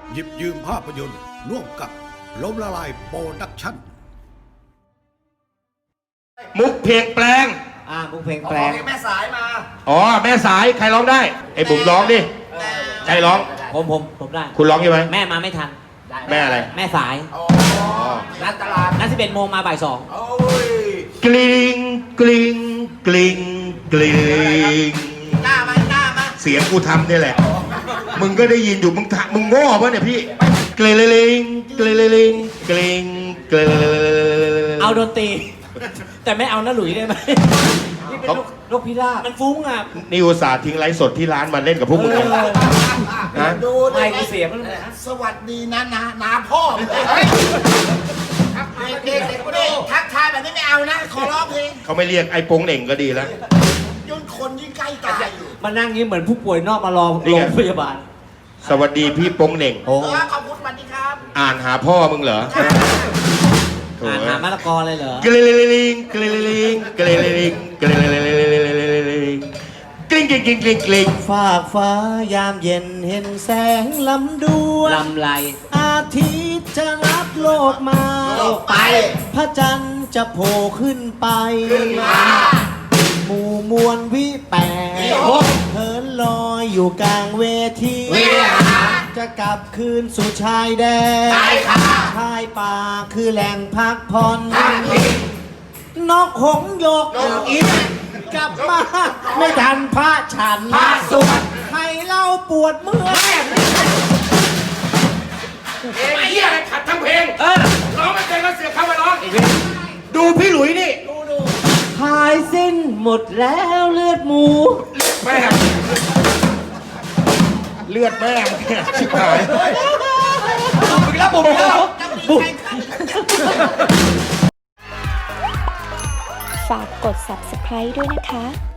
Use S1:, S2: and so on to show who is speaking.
S1: หยิบยืมภาพยนตร์ร่วมกับล้มละลายโปรดักชั่น
S2: มุกเพลงแปลง
S3: มุกเพลงแปลง
S4: แม่สายมา
S2: อ๋อแม่สายใครร้องได้ไอ้บุ๋มร้องดิใครร้อง
S3: ผมได้
S2: คุณร้องใช่ไหม
S3: แม่มาไม่ทัน
S2: แม่อะไร
S3: แม่สาย
S4: นัดตลาด
S3: นัด11 โมงมาบ่าย 2
S4: โอ้ย
S2: กลิ้งกลิ้งกลิ้งกลิ้ง
S4: หน้ามา
S2: เสียงกูทำเนี่ยแหละ มึงก็ได้ยินอยู่มึงโง่ปะเนี่ยพี่กลิ้งกลิ้งกลิ้งกลิ้ง
S3: เอาดนตรี แต่ไม่เอาน้าหลุยได้ไหมนี่เป็นนกพิราบมันฟุ้งอ่ะ
S2: นี่อุตส่าห์ทิ้งไลฟ์สดที่ร้านมาเล่นกับพวกมึงเลยนะ
S4: ดูดิ
S3: ไม่กูเสียมัน
S4: สวัสดีนะนาพ่อเด็กทักทายแบบนี้ไม่เอานะ ขอร้องเพลง
S2: เขาไม่เรียกไอ้โป้งเหน่งก็ดีแล้ว
S4: ยุ่นคนยิ่งใกล้ตายอยู่
S3: มานั่งนี้เหมือนผู้ป่วยนอกมารอ
S2: นี่
S3: โร
S2: ไง
S3: งพยาบาล
S2: สวัสดีพี่โป้งเหน่ง
S3: โอ้
S4: ขอบคุณสวัสดีครับ
S2: อ่านหาพ่อมึงเหรอโถ่
S3: อ่านหามะละกอเลยเหรอ
S2: กลิ้งกลิ้งกลิ้งกลิ้งกลิ้งกลิ้งกลิ้งกลิ้งกลิ้งกลิ้งกลิ้ง
S5: ฝากฟ้ายามเย็นเห็นแสงลำดวน
S3: ลำไร
S5: อาทิตย์จะรับโลกมา
S4: โลกไป
S5: พระจันทร์จะโผล่ขึ้นไป หมู่มวลวิแปดเหินลอยอยู่กลางเวที จะกลับคืนสู่ชายแดนชายป่าคือแหล่งพักผ่อนนกหงส์หยกอินกลับมาไม่ทันพระฉันสวดให้เล่าปวดเมื่อย
S2: ไอ้เหี้ยอะไรขัดทั้งเพลงร้องไม่เป็นก็เสียคำมาร้องดูพี่หลุยนี่
S5: หายสิ้นหมดแล้วเลือดหมู
S2: แม่เลือดแม่งเนี่ยชิบหาย
S6: ฝากกด subscribe ด้วยนะคะ